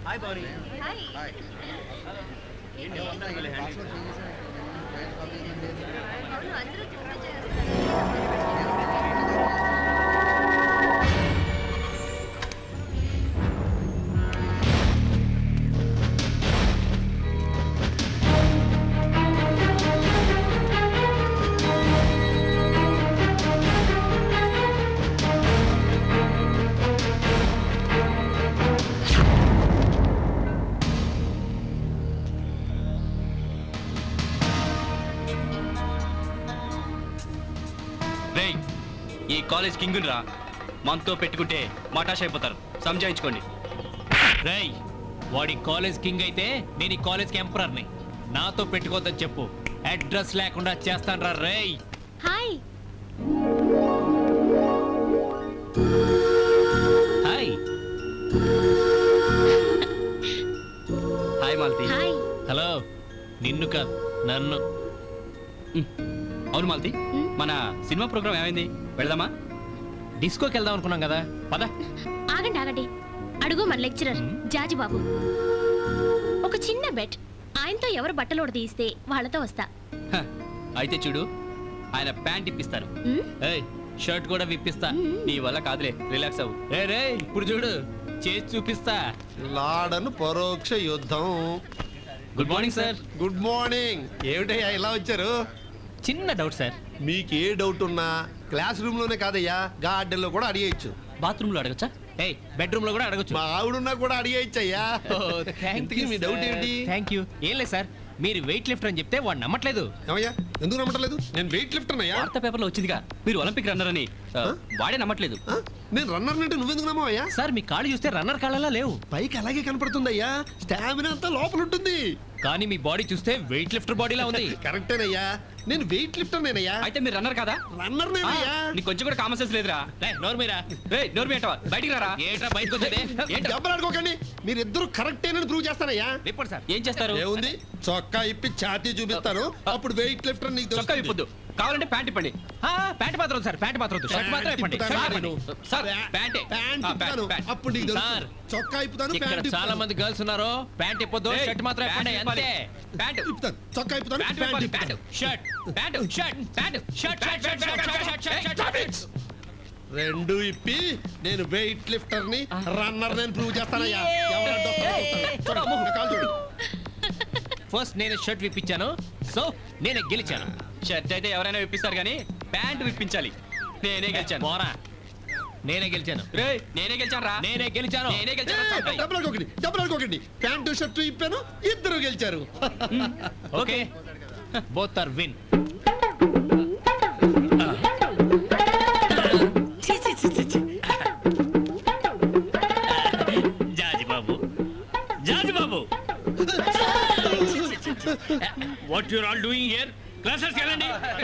ఈ college king రా, మనతో పెట్టుకుంటే మటాష్ అయిపోతారు, సంజాయించుకోండి. రేయ్, వాడి కాలేజ్ కింగ్ అయితే నేను ఈ కాలేజ్ ఎంపరర్ని. నాతో పెట్టుకోవద్దని చెప్పు, అడ్రస్ లేకుండా చేస్తాను రా. రేయ్ hi hi hi Malathi. Hi. Hello. నిన్ను కాదు, నన్ను. అవును మాలతి, మన సినిమా ప్రోగ్రామ్ ఏమైంది? వెళదామా? డిస్కోకి వెళ్దాం అనుకున్నాం కదా, పద. ఆగండి ఆగండి, అడుగు మన లెక్చరర్ జాజి బాబు. ఒక చిన్న బెట్, ఆయనతో ఎవరు బట్టలోడు తీస్తే వాళ్ళతో వస్తా. హ, అయితే చూడు, ఆయన ప్యాంట్ ఇప్పిస్తాను. ఏయ్, షర్ట్ కూడా విప్పిస్తా. నీ వల్ల కాదులే, రిలాక్స్ అవ్వు. రే ఇప్పుడు చూడు, చేసి చూపిస్తా. లాడను పరోక్ష యుద్ధం. Good morning sir. Good morning. ఏమిటయ్యా ఇలా వచ్చారు? చిన్న డౌట్ సార్. మీకు ఏ డౌట్ ఉన్నా క్లాస్ రూమ్ లోనే కాదయ్యా, గార్డెన్ లో కూడా అడిగేయచ్చు. బాత్రూమ్ లో అడగచ్చా? ఏయ్, బెడ్రూమ్ లో కూడా అడగొచ్చు. మా ఆవిడున్నా కూడా అడిగేయచ్చు అయ్యా. ఇంతకీ మీ డౌట్ ఏంటి? Thank you. ఏం లేదు సార్, మీరు వెయిట్ లిఫ్టర్ అని చెప్తే వాడు నమ్మట్లేదు. ఏమయ్యా, ఎందుకు నమ్మట్లేదు? నేను వెయిట్ లిఫ్టర్ అయ్యా. వార్తా పేపర్లో వచ్చిందిగా మీరు ఒలింపిక్ రన్నర్ అని. వాడే నమ్మట్లేదు. నేను రన్నర్ అంటే నువ్వెందుకు నమ్మవయ్యా? సార్, మీ కాళ్ళు చూస్తే రన్నర్ కాళ్ళలా లేవు. పైకి అలాగే కనపడుతుందయ్యా, స్టామినా అంతా లోపల ఉంటుంది. కానీ మీ బాడీ చూస్తే వెయిట్ లిఫ్టర్ బాడీలా ఉంది. కరెక్టేనయ్యా, నేను వెయిట్ లిఫ్టర్ నేనయ్యా. అయితే మీరు రన్నర్ కాదా? రన్నర్ నేనయ్యా. నీకు కొంచెం కూడా కామన్ సెన్స్ లేదురా. నోరు మీరా. నోరు మీటవా, బయటికి రారా. ఏట్రా బయటకు వచ్చేది? దెబ్బలాడుకోకండి, మీరిద్దరు కరెక్టేనని ప్రూవ్ చేస్తానయ్యా. Report sir. ఏం చేస్తారు? ఏముంది, చొక్కా ఇప్పి ఛాతీ చూపిస్తాను, అప్పుడు వెయిట్ లిఫ్టర్ నీకు చొక్కా తెలుస్తుంది. ఇప్పొద్దు, కావాలంటే ప్యాంట్ ఇప్పండి. ప్యాంట్ మాత్రం వద్దు సార్, ప్యాంట్ మాత్రం వద్దు. షర్ట్ మాత్రం ఇప్పండి. ప్యాంట్ షర్ట్ ఇప్పుతాను ఇప్పండి. సార్, ప్యాంటే. ప్యాంట్ ఆ, ఇప్పుతాను, ప్యాంట్. అప్పుడు నీకు తెలుస్తుంది. సార్, చొక్కా ఇప్పుతాను, ఇక్కడ ప్యాంట్ చాలా ఇప్పుతాను. మంది గర్ల్స్ ఉన్నారు. ప్యాంట్ ఇప్పొద్దు, ఏయ్, షర్ట్ మాత్రం ఇప్పండి. ప్యాంట్ అంతే. ప్యాంట్ ఇప్పుతాను, చొక్కా ఇప్పుతాను, ప్యాంట్ ప్యాంట్ ఇప్పాలి, ఇప్పుతాను. Shirt pant shirt pant shirt shirt shirt shirt shirt shirt shirt. రెండు ఇప్పి నేను వెయిట్ లిఫ్టర్ ని రన్నర్ నేను ప్రూవ్ చేస్తానయ్యా. ఎవరు అడ్డొస్తారో చూస్తాను. చూడు, నా కాలు చూడు. ఫస్ట్ నేనే షర్ట్ విప్పించాను, సో నేనే గెలిచాను. షర్ట్ అయితే ఎవరైనా విప్పిస్తారు కానీ ప్యాంట్ విప్పించాలి. నేనే గెలిచాను. మోరా, నేనే గెలిచాను. రేయ్, నేనే గెలిచాను రా. నేనే గెలిచాను. నేనే ఏయ్, గెలిచాను. డబ్బులు ప్యాంటు షర్టు ఇప్పాను, ఇద్దరు గెలిచారు. Okay, both are win. Jaji Babu, Jaji Babu, what you are all doing here? Classes వెళ్ళండి.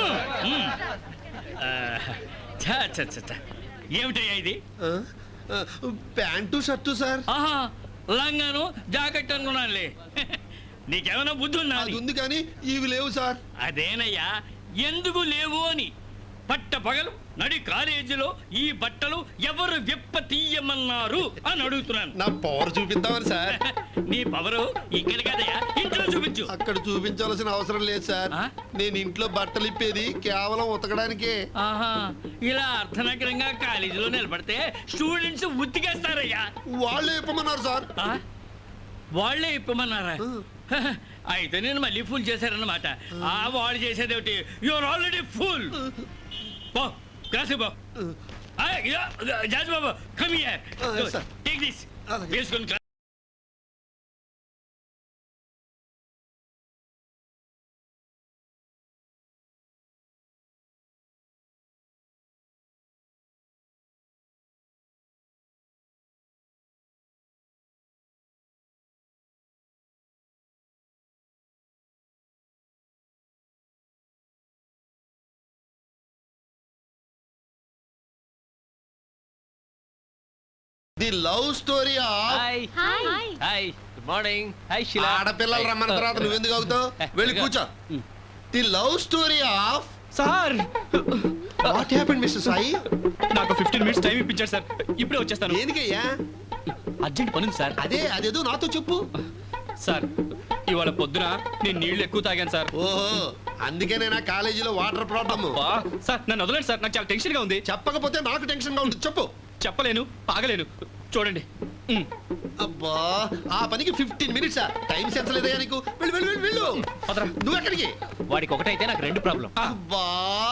ఏమిటయ్యా ఇది? Pant shirt sir. ఆహా, లంగాను జాకెట్ అనుకున్నానులే. నీకేమైనా బుద్ధి ఉందా? అది ఉంది కానీ ఇవి లేవు సార్. అదేనయ్యా, ఎందుకు లేవు అని. పట్ట పగలు నడి కాలేజీలో ఈ బట్టలు ఎవరు విప్ప తీయమన్నారు అని అడుగుతున్నాను. నా పవర్ చూపిద్దామని సార్. నీ పవరు ఇక్కడ కదయ్యా, ఇంట్లో చూపించు. అక్కడ చూపించాల్సిన అవసరం లేదు సార్. ఆ? నేను ఇంట్లో బట్టలు ఇప్పేది కేవలం ఉతకడానికే. ఆహా, ఇలా అర్థనగరంగా కాలేజీలో నిలబడితే స్టూడెంట్స్ ఉతికేస్తారయ్యా. వాళ్ళే ఇప్పమన్నారు సార్. ఆ? వాళ్ళే ఇప్పమన్నారా? అయితే నేను మళ్ళీ ఫుల్ చేశారన్నమాట. ఆ వాళ్ళు చేసేదేమిటి? Your already full. బా క్లాస్ బా. Jaj Babu, come here. sir. Take this. అలాగే. వేసుకొని the love story of hi. Hi. Hi. Good morning. Hi Shila. ఆడపిల్లలు రమ్మన్న తర్వాత నువ్వెందుకు అవుతావు? వెళ్ళి కూర్చో. The love story of sir what happened mister Sai? నాకు 15 మినిట్స్ టైం ఇప్పించారు సార్. ఇప్పుడే వచ్చేస్తాను. దేనికయ్యా? అర్జెంట్ పనుంది సార్. అదేదో నాతో చెప్పు. సార్ ఇవాళ పొద్దున నేను నీళ్లు ఎక్కువ తాగాను సార్. ఓహో, అందుకే నా కాలేజీలో వాటర్ ప్రాబ్లమ్. సార్ నన్ను వదలండి సార్, నాకు చాలా టెన్షన్ గా ఉంది. చెప్పకపోతే నాకు టెన్షన్ గా ఉంది. చెప్పు. చెప్పలేను, ఆగలేను. చూడండి. అబ్బా, ఆ పనికి 15 మినిట్స్ టైం సెన్స్ లేదయ్యా నీకు? వెళ్ళు వెళ్ళు వెళ్ళు వెళ్ళు. వదరా. నువ్వు ఎక్కడికి? వాడికి ఒకటైతే నాకు 2 ప్రాబ్లం. అబ్బా.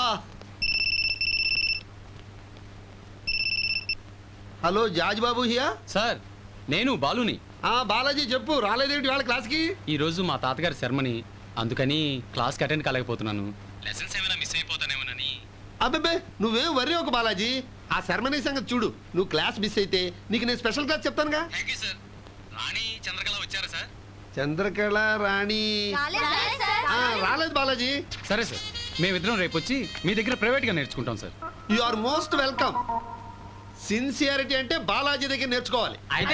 Hello Jaj Babu here. Sir నేను బాలుని. బాలాజీ చెప్పు, రాలేదేంటి వాళ్ళ క్లాస్కి? ఈ రోజు మా తాతగారి శర్మని, అందుకని క్లాస్కి అటెండ్ కాలేకపోతున్నాను. లెసన్స్ ఏమైనా మిస్ అయిపోతానేమోనని. అబ్బే నువ్వేం వర్రీ ఒక బాలాజీ. ఆ శర్మని సంగతి చూడు. నువ్వు క్లాస్ మిస్ అయితే నీకు నేను స్పెషల్ క్లాస్ చెప్తానుగా. సార్ రాణి చంద్రకళ వచ్చారా సార్? చంద్రకళ రాణి రాలేదు బాలాజీ. సరే సార్, మేమిద్దరం రేపు వచ్చి మీ దగ్గర ప్రైవేట్గా నేర్చుకుంటాం sir. You are most welcome. Sincerity అంటే బాలాజీ దగ్గర నేర్చుకోవాలి. అయితే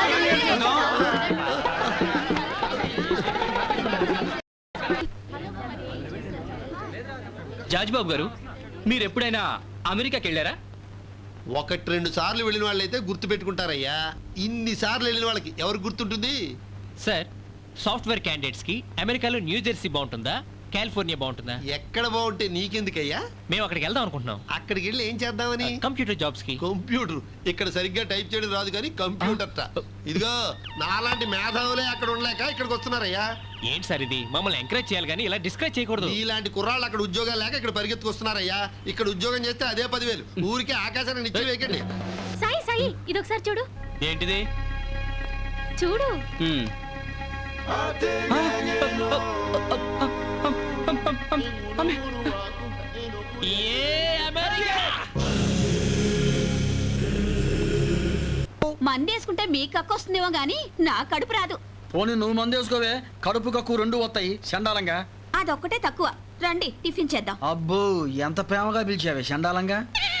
జాజ్బాబు గారు, మీరు ఎప్పుడైనా అమెరికాకి వెళ్ళారా? 1-2 సార్లు వెళ్ళిన వాళ్ళైతే గుర్తు పెట్టుకుంటారయ్యా. ఇన్ని సార్లు వెళ్ళిన వాళ్ళకి ఎవరు గుర్తుంటుంది? సార్ సాఫ్ట్వేర్ క్యాండిడేట్స్ కి అమెరికాలో న్యూ జెర్సీ బాగుంటుందా, కాలిఫోర్నియా బాగుంటుందా? ఎక్కడ బాగుంటే నీకెందుకయ్యా? మేము అక్కడికి వెళ్దాం అనుకుంటున్నాం. అక్కడికి వెళ్ళి ఏం చేద్దామని? కంప్యూటర్ జాబ్స్ కి. కంప్యూటర్ ఇక్కడ సరిగ్గా టైప్ చేయడం రాదు కానీ కంప్యూటర్. ఇదిగో నాలాంటి మేధావులే అక్కడ ఉండలేక ఇక్కడికి వస్తున్నారయ్యా. ఏంటి సార్ ఇది? మమ్మల్ని ఎంకరేజ్ చేయాలి కానీ ఇలా డిస్కరేజ్ చేయకూడదు. ఇలాంటి కుర్రాళ్ళు అక్కడ ఉద్యోగాలు లేక ఇక్కడ పరిగెత్తుకొస్తున్నారయ్యా. ఇక్కడ ఉద్యోగం చేస్తే అదే 10,000. ఊరికే ఆకాశాన్ని నిచ్చి వేయకండి. సాయి సాయి ఇదొకసారి చూడు. ఏంటిది? చూడు. మందేసుకుంటే మీ కక్కు వస్తుందేమో గాని నా కడుపు రాదు. పోనీ నువ్వు మందేసుకోవే, కడుపు కక్కు 2 వస్తాయి చండాలంగా. అదొక్కటే తక్కువ. రండి టిఫిన్ చేద్దాం. అబ్బో ఎంత ప్రేమగా పిలిచావే చండాలంగా.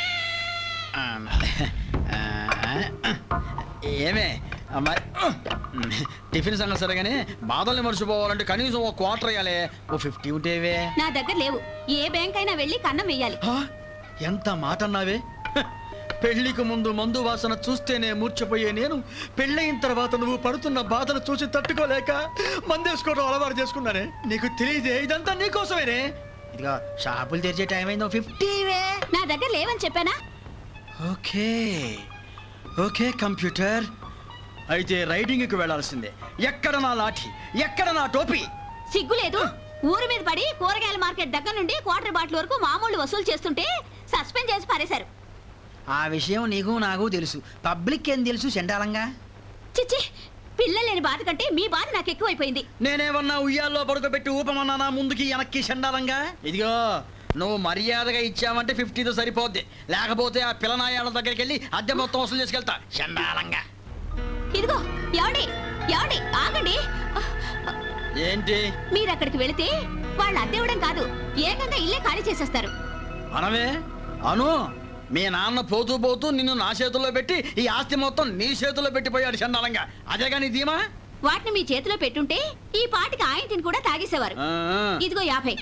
ఏమే మరి టిఫిన్ సంగతి సరే కానీ బాధల్ని మర్చిపోవాలంటే కనీసం ఒక క్వార్టర్ వేయాలి. ఓ 50 ఉంటేవే. నా దగ్గర లేవు. ఏ బ్యాంక్ అయినా వెళ్ళి కన్నం వెయ్యాలి. ఎంత మాట అన్నావే. పెళ్లికి ముందు మందు వాసన చూస్తేనే మూర్చపోయే నేను పెళ్ళయిన తర్వాత నువ్వు పడుతున్న బాధను చూసి తట్టుకోలేక మందేసుకోవడం అలవాటు చేసుకున్నానే. నీకు తెలియదే ఇదంతా నీకోసమేనే. ఇదిగా షాపులు తెరిచే టైం అయిందో 50 నా దగ్గర లేవని చెప్పానా? ఓకే ఓకే కంప్యూటర్, అయితే రైడింగ్కి వెళ్ళాల్సిందే. ఎక్కడ నా లాఠీ, ఎక్కడ నా టోపీ? సిగ్గు లేదు. ఊరి మీద పడి కూరగాయల మార్కెట్ దగ్గర నుండి క్వార్టర్ బాటిల్ వరకు మామూలు వసూలు చేస్తుంటే సస్పెండ్ చేసి పారేశారు. ఆ విషయం నీకు నాకు తెలుసు, పబ్లిక్ ఏం తెలుసు చండాలంగా. చిచ్చి, పిల్లలు లేని బాధ కంటే మీ బాధ నాకు ఎక్కువైపోయింది. నేనేమన్నా ఉయ్యాల్లో పడుకోబెట్టి ఊపమన్నా ముందుకి వెనక్కి చండాలంగా. ఇదిగో నువ్వు మర్యాదగా ఇచ్చావంటే 50తో సరిపోద్ది, లేకపోతే ఆ పిల్లనాయాల దగ్గరికి వెళ్ళి అద్దె మొత్తం వసూలు చేసుకెళ్తా చండాలంగా. ఇదిగో ఏమండి ఏమండి ఆగండి. ఏంటి? మీరు అక్కడికి వెళితే వాళ్ళు అద్దె ఇవ్వడం కాదు, ఏకంగా ఇల్లే ఖాళీ చేసేస్తారు. అనవే అను, మీ నాన్న పోతూ పోతూ నిన్ను నా చేతుల్లో పెట్టి ఈ ఆస్తి మొత్తం నీ చేతుల్లో పెట్టిపోయాడు చండాలంగా. అదే కానీ ధీమా. వాటిని మీ చేతిలో పెట్టుంటే ఈ పాటికి ఆయన తిని కూడా తాగేసేవారు. ఇదిగో 50.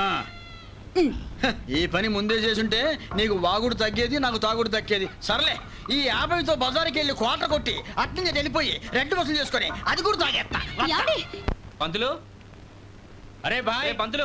ఈ పని ముందే చేసుంటే నీకు వాగుడు తగ్గేది, నాకు తాగుడు తగ్గేది. సర్లే, ఈ 50తో బజారుకి వెళ్ళి కోట కొట్టి అట్నుంచి వెళ్ళిపోయి రెడ్ వసూలు చేసుకొని అది కూడా తాగేస్తా. పంతులు, అరే బాయ్ పంతులు.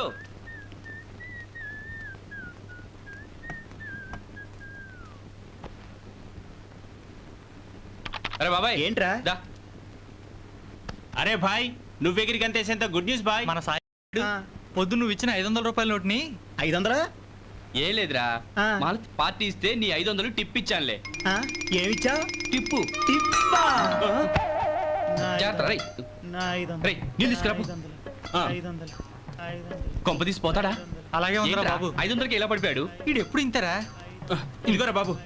అరే బాబాయ్ ఏంట్రా? దా. అరే భాయ్, నువ్వెగిరికి అంతేసేంత గుడ్ న్యూస్ బాయ్. మన సాయి పొద్దు నువ్వు ఇచ్చిన 500 రూపాయల నోట్ని 500 ఏం లేదురా, మాలతి పార్టీ ఇస్తే నీ 500 టిప్ ఇచ్చానులే. ఏమిచ్చా? టిప్పు. జాగ్రత్త రేయ్. రేయ్, నీళ్ళు తీసుకురా పో. కొంప తీసిపోతాడా? అలాగే ఉందిరా బాబు. 500కి ఎలా పడిపోయాడు? వీడు ఎప్పుడు ఇంతరా? ఇదిగోరా బాబు.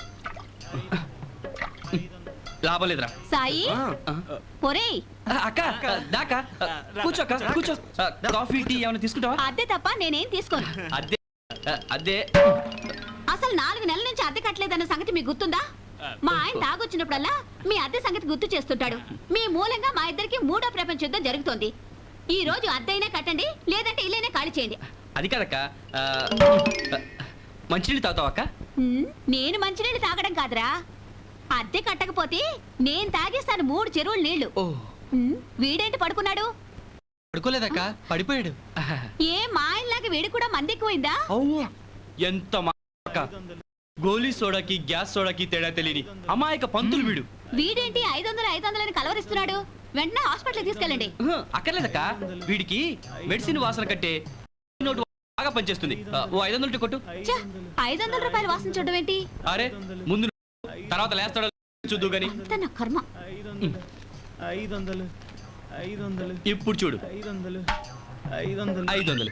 లాభం లేదురా. సాయి ఒరేయ్, అక్క దాకా కూర్చో అక్క, కూర్చో. కాఫీ టీ ఏమైనా తీసుకుంటావా? అద్దె తప్ప నేనేం తీసుకోను. అదే అసలు 4 నెలల నుంచి అద్దె కట్టలేదన్న సంగతి మీకు గుర్తుందా? మా ఆయన తాగొచ్చినప్పుడల్లా మీ అద్దె సంగతి గుర్తు చేస్తుంటాడు. మీ మూలంగా మా ఇద్దరికి 3వ ప్రపంచ యుద్ధం జరుగుతోంది. ఈ రోజు అద్దె అయినా కట్టండి, లేదంటే ఇల్లైనా ఖాళీ చేయండి. అది కాదక్క మంచినీళ్ళు తాగుతావు అక్క? నేను మంచినీళ్ళు తాగడం కాదురా, అద్దె కట్టకపోతే నేను తాగేస్తాను 3 చెరువులు నీళ్లు. వీడేంటి పడుకున్నాడు? పడుకోలేదక్క, పడిపోయాడు. ఏ మా ఆయనలాగా వీడు కూడా మంది ఎక్కువైందా? ఎంత అక్క, గోలీ సోడాకి గ్యాస్ సోడాకి తేడా తెలియని అమాయక పంతులు వీడు. వీడేంటి 500 అని కలవరిస్తున్నాడు? వెంటనే హాస్పిటల్ తీసుకెళ్ళండి. అక్కర్లేదక్క, వీడికి మెడిసిన్ వాసన కంటే నోటు బాగా పనిచేస్తుంది. ఓ 500 కొట్టు. 500 రూపాయలు వాసన చూడడం ఏంటి? అరే ముందు తర్వాత లేస్తాడో చూద్దు గాని. నా కర్మ. 500 ఇప్పుడు చూడు. 500 500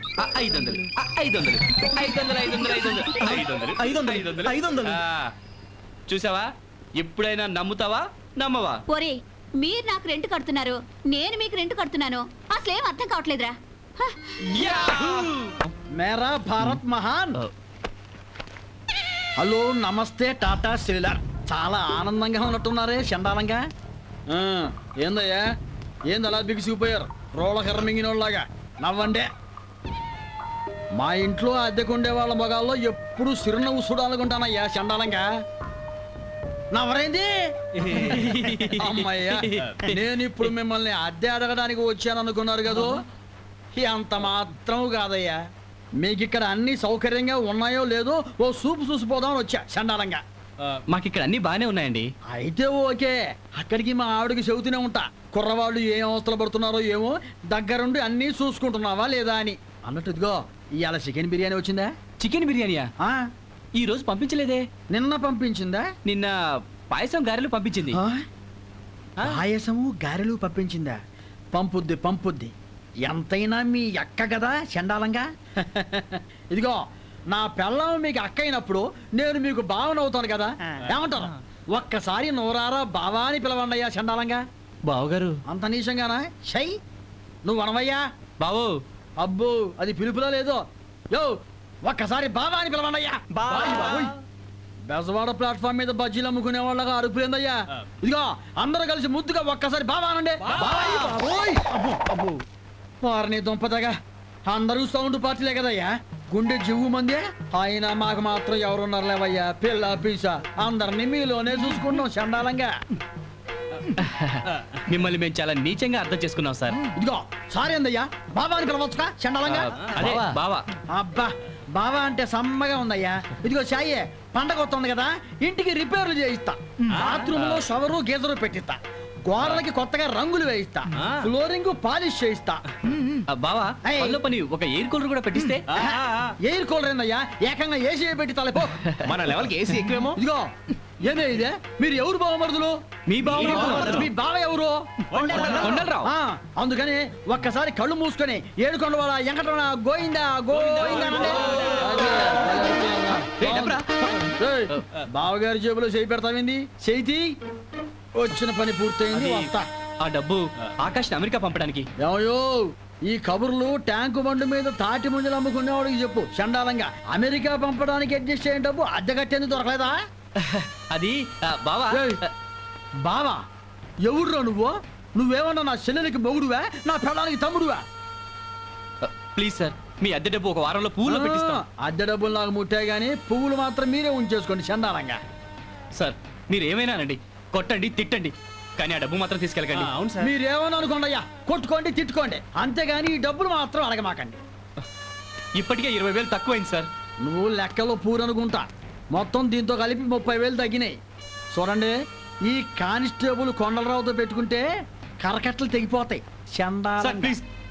500 చూసావా? ఎప్పుడైనా నమ్ముతావా నమ్మవా? ఒరే, మీరు నాకు రెంట్ కడుతున్నారు, నేను మీకు రెంట్ కడుతున్నాను. అసలేం అర్థం కావట్లేదురా. మేరా భారత్ మహాన్. హలో నమస్తే టాటా సెల్యులార్. చాలా ఆనందంగా ఉన్నట్టున్నారే చండాలంగా. ఏందయ్యా, ఏంది అలా బిగిసిపోయారు రోళ్ళ కర్ర మింగినోళ్ళలాగా? నవ్వండే. మా ఇంట్లో అద్దెకుండే వాళ్ళ మొగాల్లో ఎప్పుడు సిరునవ్వు చూడాలనుకుంటానయ్యా చండాలంగా. నవ్వరేంది? అమ్మయ్యా, నేను ఇప్పుడు మిమ్మల్ని అద్దె అడగడానికి వచ్చాను అనుకున్నారు కదూ? అంత మాత్రం కాదయ్యా, మీకు ఇక్కడ అన్ని సౌకర్యంగా ఉన్నాయో లేదో ఓ సూపు చూసిపోదామని వచ్చా చండాలంగా. మాకు ఇక్కడ అన్ని బాగానే ఉన్నాయండి. అయితే ఓకే, అక్కడికి మా ఆవిడకి చెబుతూనే ఉంటా, కుర్రవాళ్ళు ఏం అవస్థలు పడుతున్నారో ఏమో, దగ్గరుండి అన్నీ చూసుకుంటున్నావా లేదా అని. అన్నట్టు ఇదిగో ఇవాళ చికెన్ బిర్యానీ వచ్చిందా? చికెన్ బిర్యానీయా? ఈ రోజు పంపించలేదే. నిన్న పంపించిందా? నిన్న పాయసం గారెలు పంపించింది. పాయసము గారెలు పంపించిందా? పంపుద్ది. ఎంతైనా మీ అక్క కదా చండాలంగా. ఇదిగో నా పెళ్ళం మీకు అక్క అయినప్పుడు నేను మీకు బావనవుతాను కదా, ఏమంటారు? ఒక్కసారి నోరారా బావా అని పిలవండియ్యా చండాలంగా. బావగారు అంత నీచంగానా? షై నువ్వు అనవయ్యా. బావు. అబ్బో, అది పిలుపులో లేదో. యో ఒక్కసారి బావా అని పిలవండియ్యా. బెజవాడ ప్లాట్ఫామ్ మీద బజ్జీలు అమ్ముకునే వాళ్ళగా అరుపులేందయ్యా. ఇదిగో అందరూ కలిసి ముద్దుగా ఒక్కసారి బావా అనండి. వారిని దుంపదగా అందరూ సౌండ్ పార్టీలే కదయ్యా, గుండె జివ్వు మందే. అయినా మాకు మాత్రం ఎవరున్నారు లేవయ్యా, పిల్ల పీసా అందరినీ మీలోనే చూసుకున్నాం చండాలంగా. మిమ్మల్ని మేము చాలా నీచంగా అర్థం చేసుకున్నాం సార్. ఇదిగో సారీ అందయ్యా, బావా అని పిలవచ్చుగా చండాలంగా. అదే బావా. అబ్బా, బావా అంటే సమ్మగా ఉందయ్యా. ఇదిగో చాయే, పండగ వస్తుంది కదా, ఇంటికి రిపేర్లు చేయిస్తా, బాత్రూమ్ లో షవరు గీజరు పెట్టిస్తా, గోడలకి కొత్తగా రంగులు వేయిస్తా, ఫ్లోరింగ్ పాలిష్ చేయిస్తా. బావా పనిలో పని ఒక ఎయిర్ కూలర్ కూడా పెట్టిస్తే. ఎయిర్ కూలర్ ఏందయ్యా, ఏకంగా ఏసీ పెట్టి తలపో. మన లెవెల్కి ఏసీ ఎక్కువేమో. ఇదిగో ఏమే ఇదే, మీరు ఎవరు బావమరుదులు? మీ బావ. మీ బావ ఎవరు? కొండలరావు. అందుకని ఒక్కసారి కళ్ళు మూసుకొని ఏడుకొండ వాళ్ళ వెంకటరమణ గోయిందా గోయిందా అనండి. బావగారి జేబులో చేయి పెడతావింది, చేయి వచ్చిన పని పూర్తయింది. ఆ డబ్బు ఆకాశ్ అమెరికా పంపడానికి. ఏమయ్యో, ఈ కబుర్లు ట్యాంకు బండు మీద తాటి ముంజలు అమ్ముకునేవాడికి చెప్పు చండాలంగా. అమెరికా పంపడానికి అడ్జస్ట్ అయిన డబ్బు అద్దె కట్టేందుకు దొరకలేదా? అది బావా. బావా ఎవడురా నువ్వు? నువ్వేమన్నా నా చెల్లెలికి మొగుడువా, నా పెళ్ళానికి తమ్ముడువా? ప్లీజ్ సార్, మీ అద్దె డబ్బు ఒక వారంలో పువ్వులో పెట్టిస్తాం. అద్దె డబ్బులు నాకు ముట్టాయి కానీ పువ్వులు మాత్రం మీరే ఉంచేసుకోండి చండాలంగా. సార్ మీరు ఏమైనానండి, కొట్టండి తిట్టండి, కానీ ఆ డబ్బు మాత్రం తీసుకెళ్ళకండి. అవును సార్, మీరేమన్నా అనుకోండి అయ్యా, కొట్టుకోండి తిట్టుకోండి, అంతేగాని ఈ డబ్బులు మాత్రం అడగమాకండి. ఇప్పటికే 20,000 తక్కువైంది సార్. నువ్వు లెక్కలో పూరనుకుంటా, మొత్తం దీంతో కలిపి 30,000 తగ్గినాయి. చూడండి, ఈ కానిస్టేబుల్ కొండలరావుతో పెట్టుకుంటే కరకట్టలు తెగిపోతాయి. చండాలంగా. ప్లీజ్